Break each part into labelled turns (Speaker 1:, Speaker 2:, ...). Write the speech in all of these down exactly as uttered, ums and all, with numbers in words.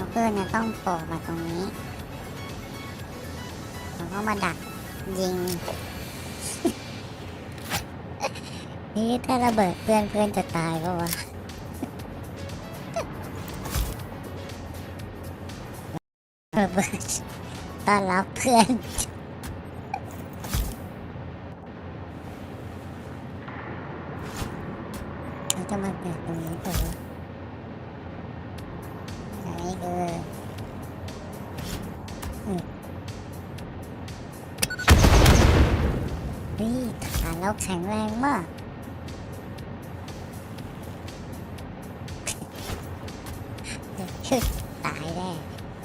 Speaker 1: เพื่อนจะต้องโผล่มาตรงนี้แล้วก็มาดักยิง นี่ถ้าระเบิดเพื่อนเพื่อนจะตายปะวะ ระเบิดต้อนรับเพื่อนเขาจะมาเกิดตรงนี้ตัวอันนี้คืออืมนี่ฐานเราแข็งแรงมาก ตายแน่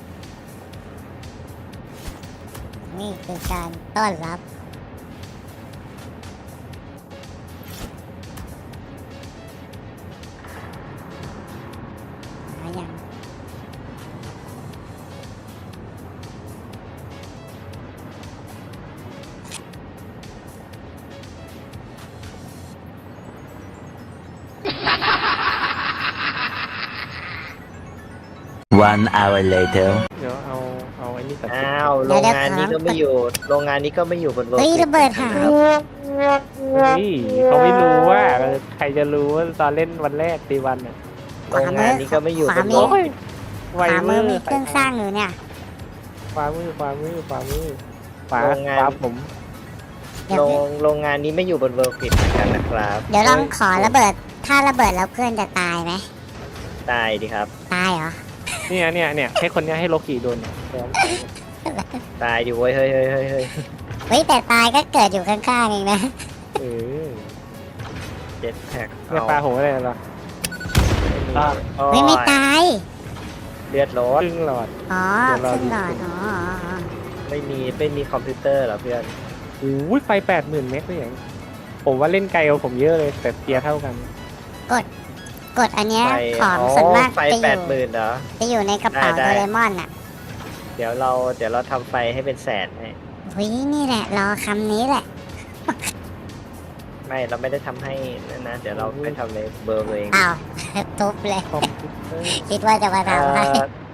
Speaker 1: นี่คือการต้อนรับหาอย่าง
Speaker 2: One hour later
Speaker 3: เดี๋ยวเอาเอาไอ้นี่ตัด
Speaker 4: อ้าวโรงงานนี้ก็ไม่อยู่โรงงานนี้ก็ไม่อยู่บนโลก
Speaker 1: เฮ้ยระเบิดหาย
Speaker 3: เฮ้ยเขาไม่รู้ว่าเออใครจะรู้ว่าตอนเล่นวันแรกตีวันอ่ะ
Speaker 4: โรงงานนี้ก็ไม่อยู่บนโลก
Speaker 3: โอ้ยไว
Speaker 1: ขวา
Speaker 3: เว
Speaker 1: มื
Speaker 3: อ
Speaker 1: อ
Speaker 3: ร์
Speaker 1: มีเครื่องสร้างอยู่เนี่ย
Speaker 3: ขวามือขวามือขวามือขวา
Speaker 4: โรงงาน
Speaker 3: ขวาผม
Speaker 1: เดี๋ย
Speaker 4: โร
Speaker 1: ว
Speaker 4: งโรงงานนี้ไม่อยู่บนเวิลด์กริดเหมือนกันนะครับ
Speaker 1: เดี๋ยวลองขอระเบิด ถ้าระเบิดแล้วเพื่อนจะตายไหม
Speaker 4: ตายดิครับ
Speaker 1: ตายเหรอ
Speaker 3: เนี่ยเนี่ยเนี่ยให้คนเนี้ยให้โลกิโดนเนี่ย
Speaker 4: ตายดิเว้ยเฮ้ยเฮ้ยเฮ้ยเฮ้ย
Speaker 1: เฮ้ยแต่ตายก็เกิดอยู่ข้างๆเองนะ
Speaker 3: เออ
Speaker 4: เจ็ดแท็ก
Speaker 3: เนี่ยปลาหัวอะไรล่ะ
Speaker 1: เฮ้ยไม่ตาย
Speaker 4: เลือดร
Speaker 3: ค
Speaker 4: ถ
Speaker 3: รึ่งหลอด
Speaker 1: อ๋อ
Speaker 3: เดี๋ยวรอ
Speaker 1: ขึ้นหลอด
Speaker 3: ดู
Speaker 1: อ๋ออ๋ออ๋อ
Speaker 4: ไม่มีไม่มีคอมพิวเตอร์เหรอเพื่อน
Speaker 3: โอ้ยไฟแปดหมื่นเมตรเลยอย่างผมว่าเล่นไกลกว่าผมเยอะเลยแต่เทียร์เท่ากัน
Speaker 1: กดอันเนี้ย
Speaker 4: ไฟ
Speaker 1: ของ
Speaker 4: อ๋อ
Speaker 1: ส่วนมาก
Speaker 4: ไฟ
Speaker 1: จะอ
Speaker 4: แปด
Speaker 1: ยู่
Speaker 4: หมื่นเหรอ
Speaker 1: จะอยู่ในกระเป๋า
Speaker 4: ได้
Speaker 1: โด
Speaker 4: ได้
Speaker 1: เรมอนอ่ะ
Speaker 4: เดี๋ยวเราเดี๋ยวเราทำไฟให้เป็นแสนให้
Speaker 1: เฮ้ยนี่แหละรอคำนี้แหละ
Speaker 4: ไม่เราไม่ได้ทำให้นั่นนะเดี๋ยวเราไปทำในเบอร์เอง
Speaker 1: อ้าว ทุบเลย
Speaker 3: คอมพิวเตอร์
Speaker 1: คิดว่าจะมา
Speaker 4: เอ่
Speaker 1: ทำให้
Speaker 4: อ